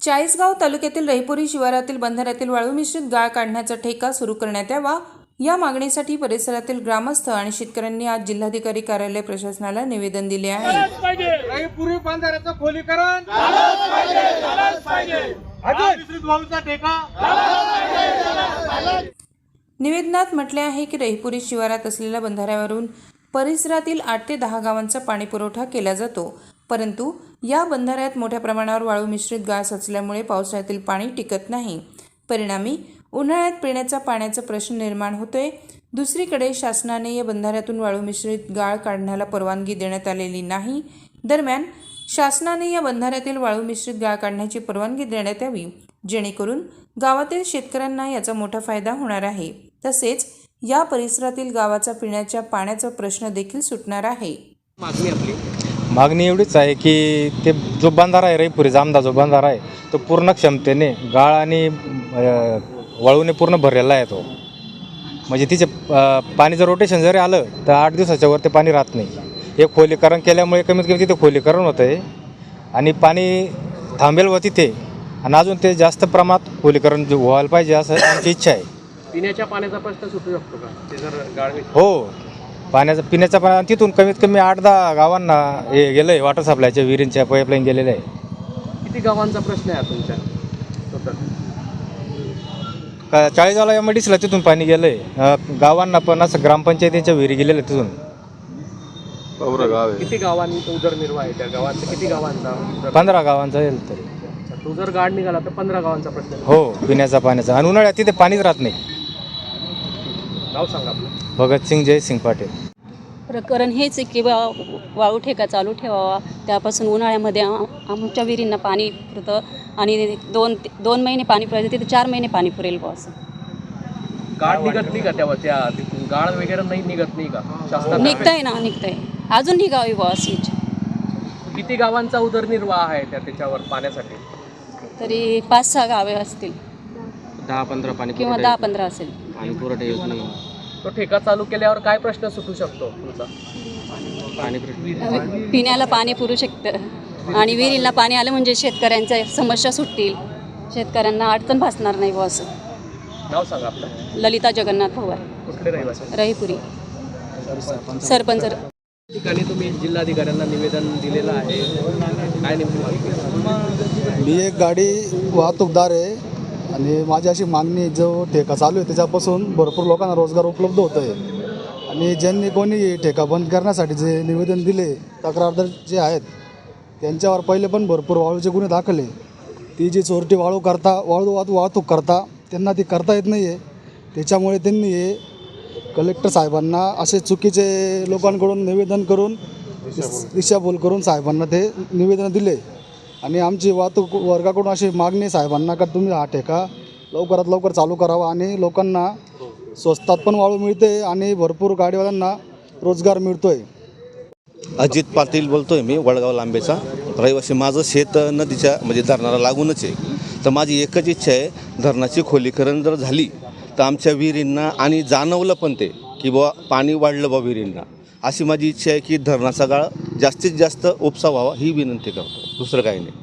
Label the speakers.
Speaker 1: चाळीसगाव तालुक्यातील रहिपुरी शिवारातील बंधाऱ्यातील वाळू मिश्रित गाळ काढण्याचा ठेका सुरू करण्यात यावा या मागणीसाठी परिसरातील ग्रामस्थ आणि शेतकऱ्यांनी आज जिल्हाधिकारी कार्यालय प्रशासनाला निवेदन दिले आहे।
Speaker 2: रहिपुरी बंधाऱ्याचं खोलीकरण मिश्रित वाळूचा ठेका।
Speaker 1: निवेदनात म्हटले आहे की रहिपुरी शिवारात असलेल्या बंधाऱ्यावरून परिसरातील 8 ते 10 गावांचा पाणी पुरवठा केला जातो, परंतु या बंधाऱ्यात मोठ्या प्रमाणावर वाळू मिश्रित गाळ साचल्यामुळे पावसाळ्यातील पाणी टिकत नाही। परिणामी उन्हाळ्यात पिण्याचा पाण्याचा प्रश्न निर्माण होतोय। दुसरीकडे शासनाने या बंधाऱ्यातून वाळू मिश्रित गाळ काढण्याला परवानगी देण्यात आलेली नाही। दरम्यान शासनाने या बंधाऱ्यातील वाळू मिश्रित गाळ काढण्याची परवानगी देण्यात यावी, जेणेकरून गावातील शेतकऱ्यांना याचा मोठा फायदा होणार आहे। तसेच या परिसरातील गावाचा पिण्याच्या पाण्याचा प्रश्न देखील सुटणार आहे।
Speaker 3: मागणी एवढीच आहे की ते जो बंधारा आहे रहिपुरी जामदा जो बंधारा आहे तो पूर्ण क्षमतेने गाळ आणि वाळूने पूर्ण भरलेला आहे। तो म्हणजे तिचे पाणीचं रोटेशन जरी आलं तर 8 दिवसाच्या वर ते पाणी राहत नाही। हे खोलीकरण केल्यामुळे कमीत कमी तिथे खोलीकरण होतं आहे आणि पाणी थांबेल व तिथे आणि अजून ते जास्त प्रमाणात खोलीकरण व्हायला पाहिजे असं आमची इच्छा आहे।
Speaker 4: पिण्याच्या पाण्याचा प्रश्न सुटू शकतो का ते जर गाळ?
Speaker 3: हो, पिण्याचा पाणी तिथून कमीत कमी 8-10 गावांना हे गेलं आहे। वॉटर सप्लायच्या विहिरींच्या पाईपलाईन गेलेल्या आहे।
Speaker 4: किती गावांचा प्रश्न आहे तुमच्या टोटल?
Speaker 3: 40 गावाला MIDCला तिथून पाणी गेलं आहे। गावांना पण असं ग्रामपंचायतीच्या विहिरी गेलेल्या तिथून।
Speaker 4: किती गावांचा उदरनिर्वाह आहे त्या गावांचा? किती गावांचा?
Speaker 3: 15 गावांचा येईल तरी।
Speaker 4: तो जर गाळ निघाला तर 15 गावांचा प्रश्न आहे।
Speaker 3: हो, पिण्याचा पाण्याचा आणि उन्हाळ्यात तिथे पाणीच राहत नाही।
Speaker 4: नाव सांगा आपलं?
Speaker 3: भगतसिंग जयसिंग पाटील।
Speaker 5: प्रकरण हेच आहे की वाळू ठेका चालू ठेवावा, त्यापासून उन्हाळ्यामध्ये आमच्या विहिरींना पाणी पुरतं आणि दोन महिने पाणी पुरायचं, तिथे 4 महिने पाणी पुरेल बुवा असं।
Speaker 4: गाळ निघत नाही का तेव्हा? त्या तिथून गाळ वगैरे नाही निघत नाही का? शासनाने
Speaker 5: निघतंय ना, निघतंय, अजून निघावी बुवा अशी इच्छा।
Speaker 4: किती गावांचा उदरनिर्वाह आहे त्याच्यावर पाण्यासाठी?
Speaker 5: तरी 5-6 गावे असतील,
Speaker 4: 10-15 पाणी
Speaker 5: किंवा 10-15 असेल।
Speaker 4: पाणी पुरवठा येत नाही। तो ठेका चालू केल्यावर काय प्रश्न सुटू शकतो तुमचा?
Speaker 5: पिण्याला पाणी पुरू शकतं आणि विहिरीला पाणी आलं म्हणजे शेतकऱ्यांच्या समस्या सुटतील, शेतकऱ्यांना अडचण भासणार नाही बुवा असं।
Speaker 4: नाव सांगा आपलं?
Speaker 5: ललिता जगन्नाथ पवार,
Speaker 4: कुठले रहिवासी?
Speaker 5: रहिपुरी, सरपंच।
Speaker 4: ठिकाणी तुम्ही जिल्हाधिकाऱ्यांना निवेदन दिलेलं आहे, काय नेमकी मागणी?
Speaker 6: मी एक गाडी वाहतूकदार आहे आणि माझी अशी मागणी, जो ठेका चालू आहे त्याच्यापासून भरपूर लोकांना रोजगार उपलब्ध होत आहे आणि ज्यांनी कोणी ठेका बंद करण्यासाठी जे निवेदन दिले, तक्रारदार जे आहेत त्यांच्यावर पहिले पण भरपूर वाळूचे गुन्हे दाखले। ती जी चोरटी वाळू वाहतूक करता त्यांना ती करता येत नाही आहे, त्याच्यामुळे त्यांनी हे कलेक्टर साहेबांना असे चुकीचे लोकांकडून निवेदन करून दिशाभूल करून साहेबांना ते निवेदन दिले आणि आमची वाहतूक वर्गाकडून अशी मागणी साहेबांना का तुम्ही हा ठेका लवकरात लवकर चालू करावा आणि लोकांना स्वस्तात पण वाळू मिळते आणि भरपूर गाडीवाल्यांना रोजगार मिळतोय।
Speaker 7: अजित पाटील बोलतोय मी, वडगाव लांबेचा रहिवासी। माझं शेत नदीच्या म्हणजे धरणाला लागूनच आहे, तर माझी एकच इच्छा आहे, धरणाची खोलीकरण जर झाली तर आमच्या विहिरींना आणि जाणवलं पण ते की बुवा पाणी वाढलं बा विहिरींना, अशी माझी इच्छा आहे की धरणाचा गाळ जास्तीत जास्त उपसा व्हावा ही विनंती करतो, दुसरं काही नाही।